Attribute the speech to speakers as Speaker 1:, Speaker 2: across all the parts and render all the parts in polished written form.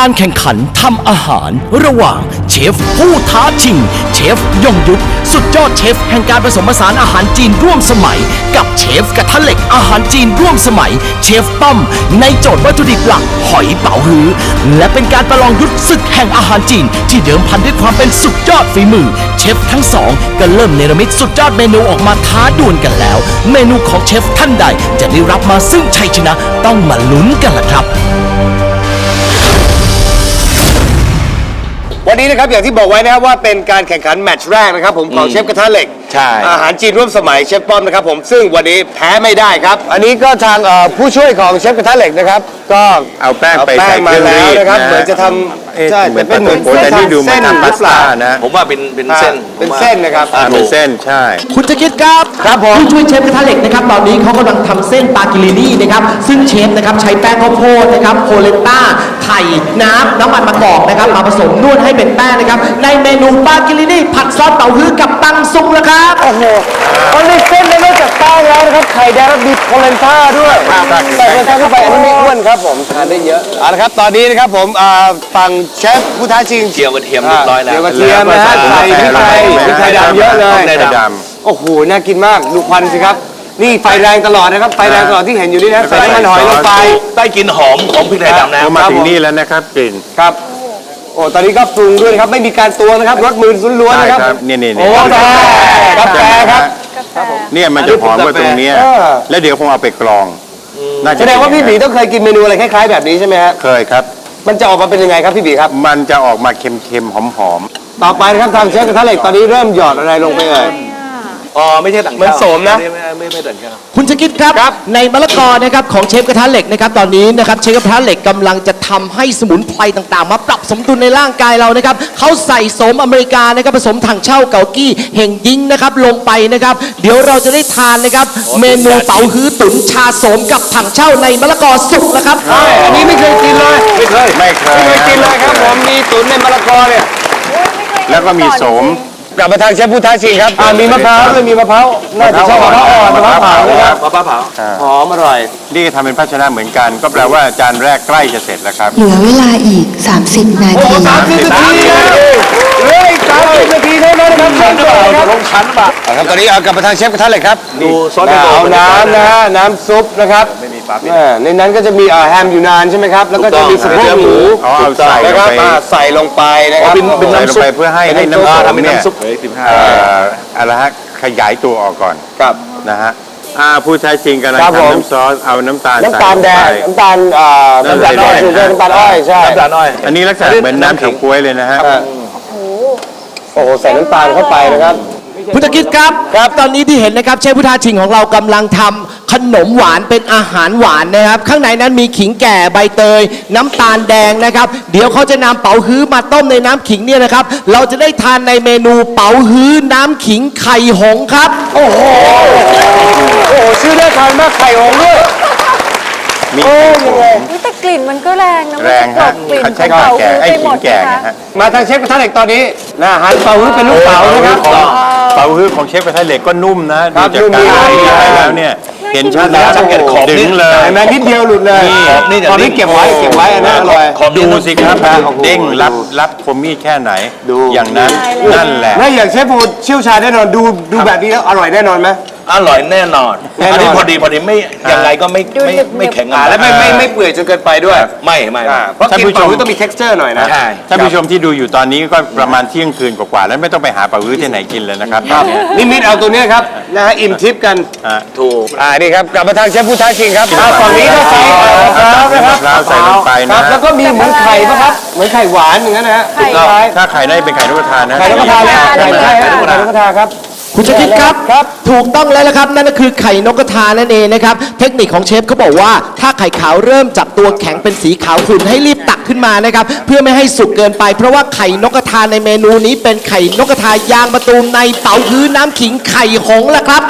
Speaker 1: การแข่งขันทำอาหารระหว่างเชฟผู้ท้าชิงเชฟยงยุทธสุดยอดเชฟแห่งการผสมผสานอาหารจีนร่วมสมัยกับเชฟกระทะเหล็กอาหารจีนร่วมสมัยเชฟป้อมในโจทย์วัตถุดิบหลักหอยเป๋าฮื้อและเป็นการประลองยุทธศึกแห่งอาหารจีนที่เดิมพันด้วยความเป็นสุดยอดฝีมือเชฟทั้งสองก็เริ่มเนรมิตสุดยอดเมนูออกมาท้าดวลกันแล้วเมนูของเชฟท่านใดจะได้รับมาซึ่งชัยชนะต้องมาลุ้นกันล่ะครับ
Speaker 2: วันนี้นะครับอย่างที่บอกไว้นะครับว่าเป็นการแข่งขันแมตช์แรกนะครับผมของเชฟกระทะเหล็ก
Speaker 3: ใช่
Speaker 2: อาหารจีนร่วมสมัยเชฟป้อมนะครับผมซึ่งวันนี้แพ้ไม่ได้ครับอันนี้ก็ทางผู้ช่วยของเชฟกระทะเหล็กนะครับก็
Speaker 3: เอาแป้งไป
Speaker 2: แป้
Speaker 3: ใส่
Speaker 2: ง
Speaker 3: เค
Speaker 2: มา
Speaker 3: รื่อง
Speaker 2: แล้
Speaker 3: รี
Speaker 2: ว
Speaker 3: ด
Speaker 2: นะครับ
Speaker 3: นะ
Speaker 2: เหมือนจะทำใช่
Speaker 3: เหมือน
Speaker 2: เป็นเหมือน
Speaker 3: แต่นี่ดูเหมือนทำพาสต้านะ
Speaker 4: ผมว่าเป็นเส้น
Speaker 2: เป็นเส้นนะครับ
Speaker 3: เป็นเส้นใช่
Speaker 1: คุณจะคิดครับ
Speaker 2: ครับผม
Speaker 1: ผู้ช่วยเชฟกระทะเหล็กนะครับตอนนี้เขากำลังทำเส้นปากิลินี่นะครับซึ่งเชฟนะครับใช้แป้งข้าวโพดนะครับโพเลนต้าไข่น้ำมันมะกอกนะครับมาผสมนวดให้เป็นแป้งนะครับในเมนูปากิลินี่ผัดซอสเต้าหู้กับตังซุงนะครับ
Speaker 2: โอ้โหตอนนี้เส้นได้นอกจากแป้งแล้วนะครับไข่แดงและมีโพเลนต้าด้วยใส่โพเลนต้าเข้าไปอันนี้ไม่อ้วนครับผมทานได้เยอะเอาละครับตอนนี้นะครับผมฝั่งเชฟผู้ท้าชิง
Speaker 4: เจียวกระเทียมเรียบร้อยแล้ว
Speaker 2: เจียวกระเทียมนะฮะใส่พริกไทยดำเยอะเลย
Speaker 4: พริกไทยด
Speaker 2: โอ้โหน่ากินมากดูควันสิครับนี่ไฟแรงตลอดนะครับไฟแรงตลอดที่เห็นอยู่นี่นะใส่น้ำมันหอยลงไป
Speaker 4: ได้กลินหอมของพริกไทยดำนะ
Speaker 3: พอมาถึงนี่แล้วนะครับกลิ่น
Speaker 2: ครับโอ้ตอนนี้ก็ปรุงด้วยนะครับไม่มีการตวงนะครับรสมือล้วนๆ
Speaker 3: ใช่
Speaker 2: นะครับ
Speaker 3: ครับนี่
Speaker 2: โอ้กาแฟครับ
Speaker 3: เนี่ยมันจะหอมกว่าตรงเนี้ย
Speaker 2: เออ
Speaker 3: แล้วเดี๋ยวคงเอาไปกรองน่จะ
Speaker 2: แสดงว่าพี่บีต้องเคยกินเมนูอะไรคล้ายๆแบบนี้ใช่ไหมฮะ
Speaker 3: เคยครับ
Speaker 2: มันจะออกมาเป็นยังไงครับพี่บีครับ
Speaker 3: มันจะออกมาเค็มๆหอม
Speaker 2: ต่อไปนะครับทางเชฟกระทะเหล็กตอนนี้เริ่มหยอดอะไรลงไปเอ่ย
Speaker 4: อ๋อไม่ใช่ต่าง
Speaker 2: เหมือนโสมนะ
Speaker 4: ไม่ต่างกัน
Speaker 1: คุณจะคิดครับ
Speaker 2: ครับ
Speaker 1: ในมะละกอนะครับของเชฟกระทะเหล็กนะครับตอนนี้นะครับเชฟกระทะเหล็กกำลังจะทำให้สมุนไพรต่างๆ มาปรับสมดุลในร่างกายเรานะครับเขาใส่โสมอเมริกานะครับผสมถังเช่าเกากี้เห่งยิงนะครับลงไปนะครับเดี๋ยวเราจะได้ทานนะครับเมนูเป๋าฮื้อตุ๋นชาโสมกับถังเช่าในมะละกอสุกนะครับ
Speaker 2: อันนี้ไม่เคยกินเลยไม่เคย
Speaker 3: ๆไม่เคย
Speaker 2: กินเลยครับผมมีตุ๋นในมะละกอเนี่ย
Speaker 3: แล้วก็มีโสม
Speaker 2: กลับมาทางเชฟผู้ท้าชิงครับมีมะพร้าวด้วยมีมะพร้าวน่าจะชอบมะพร้าวอ่อนมะพร้าวเผานะครับ
Speaker 4: มะพร้าวเผา
Speaker 2: หอมอร่อย
Speaker 3: นี่ทำเป็นภาชนะเหมือนกัน ก็แปลว่าจานแรกใกล้จะเสร็จแล้วครับ
Speaker 5: เหลือเวลาอีก 30 นาที
Speaker 2: 30 นาทีแล้วเหลืออีก30 นาทีเท่านั้นนะครับเริ่มเลยครับ
Speaker 4: ลงชั้นป่ะ
Speaker 2: ครับตอนนี้เอากลับมาทางเชฟกระทะเหล็กครับ
Speaker 4: ดูซอส
Speaker 2: เอาน้ำนะฮะน้ำซุปนะครับในนั้นก็จะมีแฮมอยู่นานใช่ไหมครับแล้วก็จะมีสะโพกหมู
Speaker 3: เอาใส่ล
Speaker 2: นะ
Speaker 3: ง
Speaker 2: ครับ
Speaker 3: ไป
Speaker 2: ใส่ลงไปนะครับ
Speaker 4: เป็น
Speaker 3: ใส่
Speaker 4: น้ำ
Speaker 3: ลง
Speaker 4: ซุป
Speaker 3: ไปเพื่อให้น้ำซุป
Speaker 4: ทำเป็น
Speaker 3: เนี่ย
Speaker 4: น้ำซุป
Speaker 3: อะไรฮะขยายตัวออกก่อน
Speaker 2: ครับ
Speaker 3: นะฮะผู้ใช้จริงกำลัง
Speaker 2: ครับผม
Speaker 3: ทำน้ำซอสเอาน้ำตาล
Speaker 2: น้ำตาลแดง
Speaker 3: ใส่ลงไป
Speaker 2: น้ำตาลน้ำตาลอ้อยน้ำตาลอ้อยใช่
Speaker 4: น้ำตาลน้อย
Speaker 3: อันนี้ลักษณะเหมือนน้ำเฉาก๊วยเลยนะฮะ
Speaker 2: โอ้โหใส่น้ำตาลเข้าไปนะครับ
Speaker 1: พุทธกิจครับตอนนี้ที่เห็นนะครับเชฟพุทธาชิงของเรากำลังทำขนมหวานเป็นอาหารหวานนะครับ ข้างในนั้นมีขิงแก่ใบเตย น้ำตาลแดงนะครับ เดี๋ยวเขาจะนำเป๋าฮื้อมาต้มในน้ำขิงเนี่ยนะครับ เราจะได้ทานในเมนูเป๋าฮื้อน้ำขิงไข่หงส์ครับ
Speaker 2: โอ้โหชื่อน่าทานมากไข่หงส์ด้วย
Speaker 3: มี
Speaker 2: โอ้
Speaker 3: ไข่ผ
Speaker 2: ยังไง
Speaker 3: ง
Speaker 6: แต่กลิ่นมันก็แรงนะ
Speaker 3: แรงฮะ
Speaker 6: กลิ่น
Speaker 3: เขาใช้
Speaker 6: ของ
Speaker 3: ขิงแก่ไอ้
Speaker 6: ไป
Speaker 3: ขิ
Speaker 6: หม
Speaker 3: ง
Speaker 6: ด
Speaker 3: แก่
Speaker 6: นะคะ
Speaker 3: นะฮะ
Speaker 2: มาทางเชฟกระทะเหล็กตอนนี้นะอาหารเป่าฮื้อเป็นลูกเต๋านะครับ
Speaker 3: เป่าฮื้อของเชฟกระทะเหล็กก็นุ่มนะ
Speaker 2: ครั
Speaker 3: ดู
Speaker 2: บ
Speaker 3: จากการ
Speaker 2: นุ่ม
Speaker 3: ใส่ไปแล้วเนี่ยเห็นชัดแล้ว
Speaker 4: สังเกตขอบนี่
Speaker 3: ดึงเลย
Speaker 2: เห็นไหมนิดเดียวหลุดเลย
Speaker 4: นี่
Speaker 2: ตอนนี้เก็บไว้อันนั้นอร่อย
Speaker 3: ดูสิครับ
Speaker 2: โอ้โห
Speaker 3: เด้งรับคมมีดแค่ไหน
Speaker 2: ดู
Speaker 3: อย่างนั้นนั่นแหละ
Speaker 2: แล้วอย่างเชฟพูดเชี่ยวชาญแน่นอนดูแบบนี้แล้วอร่อยแน่นอนไหม
Speaker 4: อร่อยแน่นอน
Speaker 2: แน่นอน
Speaker 4: อันนี้พอดีไม่ยังไงก็ไม่แข็ง
Speaker 2: แล้วไม่เปื่อยจนเกินไปด้วย
Speaker 4: ไม่
Speaker 2: เพราะกินเป่าฮื้อต้องมี texture หน่อยนะ
Speaker 4: ใช่
Speaker 3: ท่านผู้ชมที่ดูอยู่ตอนนี้ก็ประมาณเที่ยงคืนกว่าๆแล้วไม่ต้องไปหาเป่าฮื้อที่ไหนกินเลยนะครับ
Speaker 2: นิมิตเอาตัวเนี้ยครับนะฮะอิ่มทิพย์กัน
Speaker 4: ถูก
Speaker 2: นี่ครับกลับมาทางเชฟผู้ท้าชิงครับฝั่งนี้ก็ใส่มะพร้าวนะครับ
Speaker 3: มะพร้าวใส่ลงไป
Speaker 2: ค
Speaker 3: นะ
Speaker 2: รับแล้วก็มีเหมือนไข่ป่ะครับเหมือนไข่หวานอย่างนั้นนะฮะ
Speaker 6: ไข่
Speaker 2: คล้าย
Speaker 3: ถ้าไข่ได้เป็นไข่นกกระทานะ
Speaker 2: ไข่นกกระทาเลยไข่ใช่ครับไข่นกกระทาครับ
Speaker 1: คุณจะคิดครับ
Speaker 2: ครับ
Speaker 1: ถูกต้องแล้วละครับนั่นก็คือไข่นกกระทานั่นเองนะครับเทคนิคของเชฟเขาบอกว่าถ้าไข่ขาวเริ่มจับตัวแข็งเป็นสีขาวขุ่นให้รีบตักขึ้นมานะครับเพื่อไม่ให้สุกเกินไป เพราะว่าไข่นกกระทาในเมนูนี้เป็นไข่นกกระทายางมะตูมในเป๋าฮื้อน้ำขิงไข่หงส์ละครับ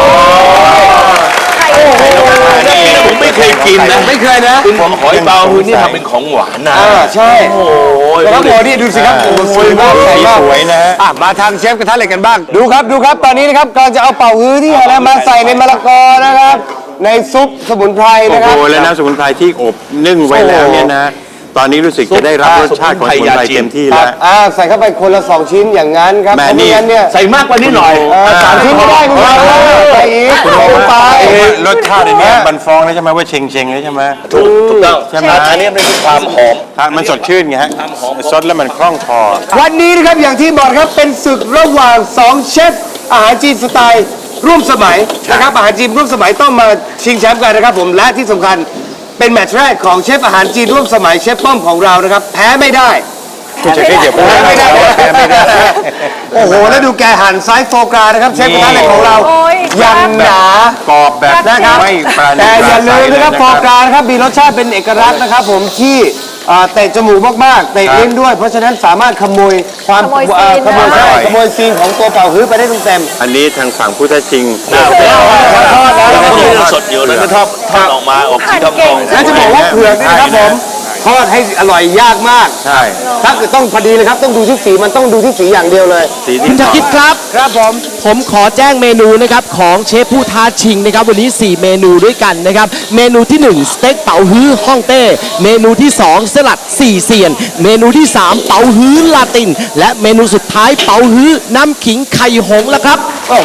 Speaker 4: ผมไม่เคยกินนะ
Speaker 2: ไม่เคยนะ
Speaker 4: คุณหอยเปาฮื้อนี่ทำเป็นของหวานนะ
Speaker 2: ใช่
Speaker 4: โอ้โห
Speaker 2: แล้วก็โมนี่ดูสิครับโอ้โหสวยมากใหญ่
Speaker 3: สี
Speaker 2: มาก
Speaker 3: สวยนะฮะ
Speaker 2: มาทางเชฟกระทะเหล็กกันบ้าง ดูครับตอนนี้นะครับกำลังจะเอาเป่าฮื้อที่อะไรมาใส่ในมะละกอนะครับ ในซุปสมุนไพร
Speaker 3: โอ้
Speaker 2: นะค
Speaker 3: โห
Speaker 2: รับ
Speaker 3: แล้วน้ำสมุนไพรที่อบนึ่งไว้แล้วเนี่ยนะตอนนี้รู้สึกจะได้รับรสชาติของสมุนไพรเต็มที่แล้ว
Speaker 2: ใส่เข้าไปคนละ2 ชิ้นอย่างนั้นครับ
Speaker 3: แม่
Speaker 2: เพราะ
Speaker 3: นี่
Speaker 2: ไม่งั้นเนี่ย
Speaker 4: ใส่มากกว่านี้หน่อย
Speaker 2: 3 ชิ้นไม่ได้คุณผู้ชมใส่อีกไป
Speaker 3: รสชาติในนี้มันฟ้องแล้วใช่ไหมว่าเชงเชงเลยใช่ไหม
Speaker 4: ถูกต้อง
Speaker 3: ใช่ไหม
Speaker 4: อันนี้มันคือความหอม
Speaker 3: มันสดชื่นไงฮะซดแล้วมันคล่องคอ
Speaker 2: วันนี้นะครับอย่างที่บอกครับเป็นศึกระหว่าง2เชฟอาหารจีนสไตล์ร่วมสมัยนะครับอาหารจีนร่วมสมัยต้องมาชิงแชมป์กันนะครับผมและที่สำคัญเป็นแมตช์แรกของเชฟอาหารจีนร่วมสมัยเชฟป้อมของเรานะครับแพ้ไม่ได้
Speaker 3: คุณจะเก็บ
Speaker 2: แพ้ไม่ได้
Speaker 3: แพ้ไม่ได้
Speaker 2: โอ้โหแล้วดูแกหั่นไซส์โฟกรานะครับเชฟกระทะเหล็กของเรา
Speaker 6: โอ้ย
Speaker 2: ยังหนา
Speaker 3: กรอบแบบ
Speaker 2: นะครับ
Speaker 3: ไม่ปราณี
Speaker 2: แต่อย่าลืมนะครับ
Speaker 3: ป
Speaker 2: โฟ
Speaker 3: ราศัย
Speaker 2: กรานะครับมีรสชาติเป็นเอกลักษณ์นะครับผมที่เตะจมูกมากๆเตะลิ้นด้วย เพราะฉะนั้นสามารถขโมยความ
Speaker 6: ขโมยซีน
Speaker 2: ขโมย
Speaker 6: ได้
Speaker 2: ใช่ขโมยซีนของตัวเป่าฮื้อไปได้เต็ม
Speaker 3: อันนี้ทางฝั่งพุทธชิง
Speaker 2: ทอดแล้ว
Speaker 4: สดอยู่เลยมันทอดออกมาออกสีทองทอง
Speaker 2: ๆแล้วจะบอกว่าเผือกเนยนะครับผมทอดให้อร่อยยากมาก
Speaker 3: ใช่
Speaker 2: ถ้าเกิดต้องพอดีเลยครับต้องดูที่สีมันต้องดูที่สีอย่างเดียวเลย
Speaker 3: สี
Speaker 1: คุ
Speaker 3: ที่
Speaker 1: ณชาคิดครับ
Speaker 2: ครับผม
Speaker 1: ผมขอแจ้งเมนูนะครับของเชฟผู้ท้าชิงนะครับวันนี้ 4 เมนูด้วยกันนะครับเมนูที่ 1 สเต็กเป๋าฮื้อฮ่องเต้เมนูที่ 2 สลัด4เซียน เมนูที่ 3 เป๋าฮื้อลาติน และเมนูสุดท้ายเป๋าฮื้อน้ำขิงไข่หงส์แล้วครับ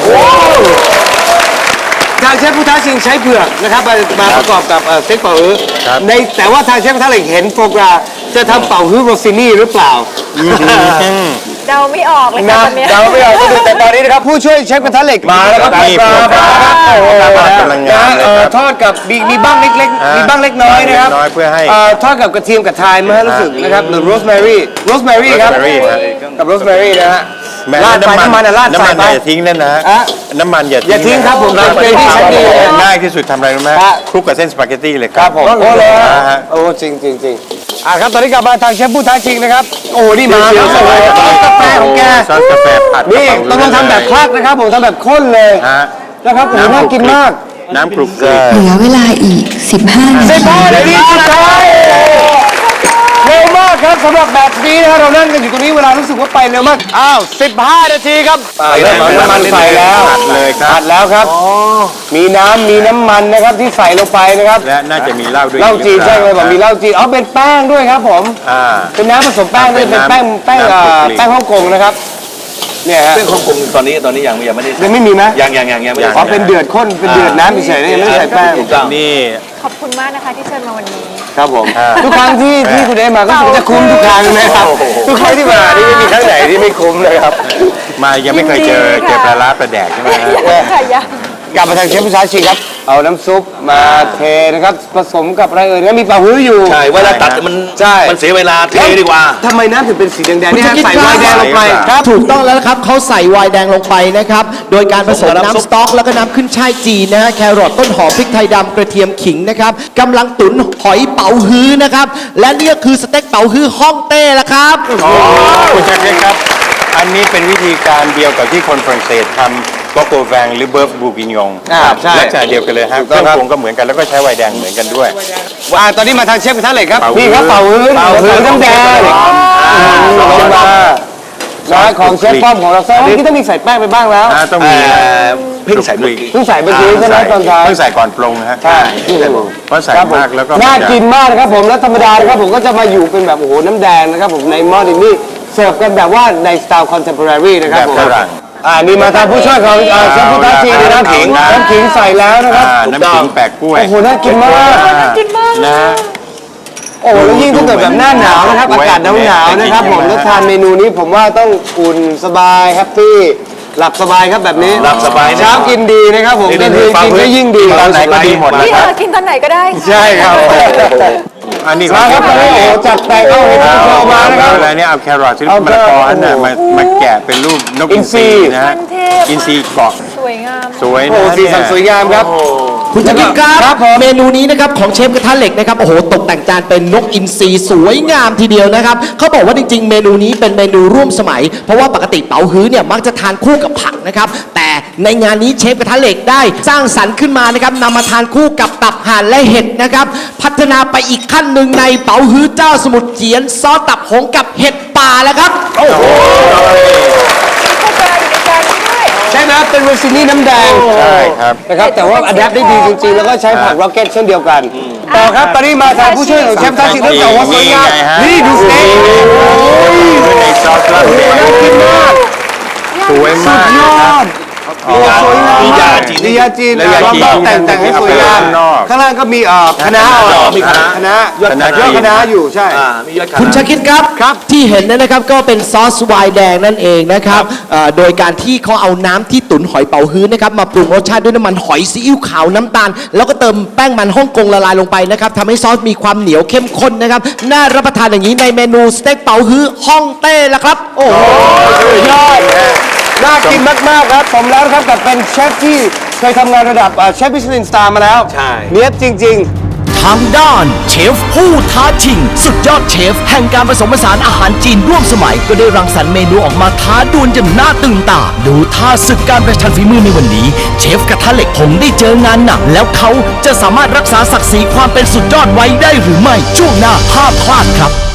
Speaker 2: ทางเชฟผู้ท้าชิงใช้เผือกนะครับมาประกอบกับสเต็กเป่าฮื้อในแต่ว่าทางเชฟกระทะเหล็กเห็นโฟกราจะทำเป่าฮื้อโรซินี่หรือเปล่า
Speaker 6: เดาไม่ออกเลยค่ะ
Speaker 2: นะ
Speaker 6: ตอนเนี้ย
Speaker 2: เดาไม่ออกก็ดูแต่ตอนนี้นะครับผู้ช่วยเชฟกระทะเหล็กมาแล้วครับ
Speaker 3: นี่พวกเรากำลังงานเลยครับ
Speaker 2: ทอดกับมีบ้างเล็กๆมีบ้างเล็กน้อยนะครับ
Speaker 3: น้อยเพื่อให้
Speaker 2: ทอดกับกระเทียมกับไทม์นะฮะรู้สึกนะครับหรือโรสแมรี่ครับ
Speaker 3: Rosemary ฮะ
Speaker 2: กับโรสแมรี่นะฮะ
Speaker 3: แม้
Speaker 2: ราดไปน้ำมันราด
Speaker 3: น้ำ
Speaker 2: ใส่
Speaker 3: มัน
Speaker 2: ไป
Speaker 3: อย่าทิ้งนั่นนะฮะ
Speaker 2: อ่ะ
Speaker 3: น้ำมันอย่า
Speaker 2: อย่าทิ้งครับผม
Speaker 3: นะ
Speaker 2: เป็นที่ชั้นดีเลย
Speaker 3: ง่ายที่สุดทำอะไรรู้ไหม
Speaker 2: ฮะ
Speaker 3: คลุกกับเส้นสปาเกตตี้เลยค
Speaker 2: ค
Speaker 3: รั
Speaker 2: รั
Speaker 3: บบ
Speaker 2: ผมโอ้เลย
Speaker 3: ฮะ
Speaker 2: โอ้จริงครับตอนนี้กลับมาทางเชฟผู้ท้าชิงนะครับโอ้นี่มาแล้วซอสกาแฟของแก
Speaker 3: ซอสกาแฟผัด
Speaker 2: นี่ต้องทำแบบคลักนะครับผมทำแบบข้นเลย
Speaker 3: ฮะ
Speaker 2: นะครับผมน่ากินมาก
Speaker 3: น้ำคลุกเลย
Speaker 5: เหลือเวลาอีก 15 นา
Speaker 2: 15
Speaker 5: ที
Speaker 2: นาทีสุดท้ายเร็วมากครับสำหรับแบบนี้นะเรานั่งกันอยู่ตรงนี้เวลารู้สึกว่าไปเร็วมากอ้าว15 นาทีครับเริ่มเอาน้ำมันใส่แล้ว
Speaker 3: ผัดเลยครับ
Speaker 2: ผัดแล้วครับมีน้ำมันนะครับที่ใส่ลงไปนะครับ
Speaker 3: และน่าจะมีเหล้าด้วย
Speaker 2: เหล้าจีนใช่ไหมบอกมีเหล้าจีนอ๋อเป็นแป้งด้วยครับผม
Speaker 3: อ่า
Speaker 2: เป็นน้ำผสมแป้งด้วยเป็นแป้ง
Speaker 3: น้ำคลุกคลิก
Speaker 2: แป้งฮ่องกงนะครับเนี่ยฮะ
Speaker 4: เรื่องของกงตอนนี้ยังไม่ได้
Speaker 2: ยังไม่มีไหม
Speaker 4: ยังไม่ได้
Speaker 2: อ๋อเป็นเดือดข้นเป็นเดือดน้ำเฉยๆนะยังไม่ได้ใส่แป้ง
Speaker 4: ถูกต้อง
Speaker 3: นี่
Speaker 6: ขอบคุณมากนะคะที่เชิญมาวันนี้
Speaker 2: ครับผมทุกครั้งที่คุณเอมาก็จะคุ้มทุกครั้งนะครับทุกครั้งที่มานี่ไม่มีครั้งไหนที่ไม่คุ้มเลยครับ
Speaker 3: มายังไม่เคยเจอ
Speaker 6: ยินดีค่ะ
Speaker 3: ปลาร้าปลาแดกใช่ไหมฮะ
Speaker 6: ค่ะยัง
Speaker 2: กลับมาทางเชฟผู้ท้าชิงครับเอาน้ำซุปมาเทนะครับผสมกับอะไรเอ่ยนะมีเป่าฮื้ออยู่
Speaker 4: ใช่เวลาตัดมัน
Speaker 2: ใช่
Speaker 4: มันเสียเวลาเทดีกว่า
Speaker 2: ทำไมน้ำถึงเป็นสีแดงๆ
Speaker 1: คุณ
Speaker 2: นี่
Speaker 1: ชา
Speaker 2: ฮะ
Speaker 1: คิด
Speaker 2: ใส่
Speaker 1: ค
Speaker 2: ไว
Speaker 1: รับ
Speaker 2: น์แดงลงไปครับ
Speaker 1: ถูกต้องแล้วนะครับเขาใส่ไวน์แดงลงไปนะครับโดยการผสมน้ำสต๊อกแล้วก็น้ำขึ้นช่ายจีนนะฮะแครอทต้นหอมพริกไทยดำกระเทียมขิงนะครับกำลังตุ๋นหอยเป๋าฮื้อนะครับและนี่ก็คือสเต็กเป๋าฮื้อฮ่องเต้ละครับ
Speaker 3: คุณชักเล็กครับ อันนี้เป็นวิธีการเดียวกับที่คนฝรั่งเศสทำโกโกแวงหรือเบิร์ฟบูกินยง
Speaker 2: ใช่
Speaker 3: ลักษณะเดียวกันเลยฮะ
Speaker 2: ถูก
Speaker 3: เค
Speaker 2: ต้
Speaker 3: รื่
Speaker 2: อ
Speaker 3: อง ง
Speaker 2: ครับ
Speaker 3: ปรุงก็เหมือนกันแล้วก็ใช้ไวน์แดงเหมือนกันด้วย
Speaker 2: ตอนนี้มาทางเชฟกระทะเหล็กครับ
Speaker 3: เป่าฮื้อ
Speaker 2: นี่ครับเป่าฮื้อน้ำแดงลงมานะของเชฟป้อมของเราซะเมื่อกี้ต้องมีใส่แป้งไปบ้างแล้ว
Speaker 3: ต้องมี
Speaker 4: เพิ่งใส่เมื่อกี้
Speaker 2: เพิ่งใส่เมื่อกี้ใช่ไหมตอนท้าย
Speaker 3: เพิ่งใส่ก่อนปรุงนะฮะ
Speaker 2: ใช่
Speaker 3: เพราะใส่
Speaker 2: ครับผม
Speaker 3: มากแล้วก็
Speaker 2: น่ากินมากนะครับผมแล้วธรรมดานะครับผมก็จะมาอยู่เป็นแบบโอ้โหน้ำแดงนะครับผมในหม้อดินนี่เสิร์ฟกันแบบว่าในสไตล์คอนเทมพอรารีนะครับ
Speaker 3: แบบ
Speaker 2: ผม
Speaker 3: ฝรั่ง
Speaker 2: นี่มาทางผู้ช่วยของเชฟพุทธชีน้ำขิงใส่แล้วนะครับ
Speaker 3: น้ำขิงแปะกล้วย
Speaker 2: โอ้โหน่ากินมาก
Speaker 6: น่ากินมาก
Speaker 3: นะฮะ
Speaker 2: โอ้โหแล้วยิ่งถ้าเกิดแบบหน้าหนาวนะครับอากาศหนาวๆนะครับผมแล้วทานเมนูนี้ผมว่าต้องอุ่นสบายแฮปปี้หลับสบายครับแบบนี้
Speaker 4: หลับสบายนะ
Speaker 2: เช้ากินดีนะครับผมก็คือกินก็ยิ่งดี
Speaker 3: ตอนไหนก็ดีหมดนะ
Speaker 6: นี่
Speaker 3: ค
Speaker 6: เธ
Speaker 3: รับ
Speaker 6: อกินตอนไหนก็ได้
Speaker 2: ใช่ครับ
Speaker 3: อันนี้
Speaker 2: มาครับตอนนี้โอ้โหจัดแต่งเอาเห็ดโชว์มานะครับ
Speaker 3: อะไรเนี่ยเอาแครอทที่
Speaker 2: เอา
Speaker 3: มะละกออันน่ะ
Speaker 2: โอ้โห
Speaker 3: มาแกะเป็นรูปนกอินทรี
Speaker 2: อินทรี
Speaker 3: นะฮะ
Speaker 6: ขั้นเทพ
Speaker 3: อินทรีเกาะ
Speaker 6: สวยงาม
Speaker 3: สวย
Speaker 2: โอ้
Speaker 3: นะ
Speaker 2: โหสีสันสวยงามครับ
Speaker 1: คุณชาคิดค
Speaker 2: ครั
Speaker 1: รั
Speaker 2: บบ ผม
Speaker 1: เมนูนี้นะครับของเชฟกระทะเหล็กนะครับโอ้โหตกแต่งจานเป็นนกอินทรีสวยงามทีเดียวนะครับเขาบอกว่าจริงๆ เมนูนี้เป็นเมนูร่วมสมัย เพราะว่าปกติเป๋าฮื้อเนี่ยมักจะทานคู่กับผักนะครับแต่ในงานนี้เชฟกระทะเหล็กได้สร้างสรรค์ขึ้นมานะครับนำมาทานคู่กับตับห่านและเห็ดนะครับพัฒนาไปอีกขั้นหนึ่งในเป๋าฮื้อเจ้าสมุทรเจียนซอสตับหงกับเห็ดป่าแล้วครับ
Speaker 6: มีโคกาอยู่ในจานนี้ด้วย
Speaker 2: ใช่ไหมเป็นโรซินี่น้ำแดง
Speaker 3: ใช่ครับ
Speaker 2: นะครับแต่ว่าอัดแอปได้ดีจริงๆ แล้วก็ใช้ผักร็อกเก็ตเช่นเดียวกัน ต่อครับ ตอนนี้มาทางผู้ช่วยของเชฟทัชชิเรื่องจากว่าสวยงามนี่ดูสเต็ก
Speaker 3: ด้วยในซอสลาบแดง
Speaker 2: น่ากินมาก
Speaker 3: สวยมาก
Speaker 2: ย
Speaker 3: นะ
Speaker 2: อ
Speaker 3: ครับ
Speaker 2: ดโอ้สวยงาม
Speaker 4: มียาจีน
Speaker 2: มียาจีน
Speaker 3: แล้วยาจีน
Speaker 2: แล้วก็แต่งให้สวยงาม
Speaker 3: ข้างนอก
Speaker 2: ข้างล่างก็มีคะน้า
Speaker 4: มีคะน้า
Speaker 2: คะน้ายอด
Speaker 3: คะน้า
Speaker 2: คะน้าอยู่ใช่
Speaker 4: มียอดขาย
Speaker 1: คุณชาคิดครับ
Speaker 2: ครับ
Speaker 1: ที่เห็นเนี่ยนะครับก็เป็นซอสไวน์แดงนั่นเองนะครับโดยการที่เขาเอาน้ำที่ตุ๋นหอยเป๋าฮื้อนะครับมาปรุงรสชาติด้วยน้ำมันหอยซีอิ๊วขาวน้ำตาล แล้วก็เติมแป้งมันฮ่องกงละลายลงไปนะครับทำให้ซอสมีความเหนียวเข้มข้นนะครับน่ารับประทานอย่างนี้ในเมนูสเต็กเป๋าฮื้อฮ่องเต้ละครับโอ้โห
Speaker 2: ยอดน่ากินมาก ๆ ครับผมแล้วนะครับกับเป็นเชฟที่เคยทำงานระดับเชฟมิชลินสตาร์มาแล้ว
Speaker 4: ใช่
Speaker 2: เนียบจริง
Speaker 1: ทางด้านเชฟผู้ท้าชิง สุดยอดเชฟแห่งการผสมผสานอาหารจีนร่วมสมัย ก็ได้รังสรรค์เมนูออกมาท้าดวลจนน่าตื่นตา ดูท่าศึกการประชันฝีมือในวันนี้ เชฟกระทะเหล็กคงได้เจองานหนัก แล้วเขาจะสามารถรักษาศักดิ์ศรีความเป็นสุดยอดไว้ได้หรือไม่ช่วงหน้าห้ามพลาดครับ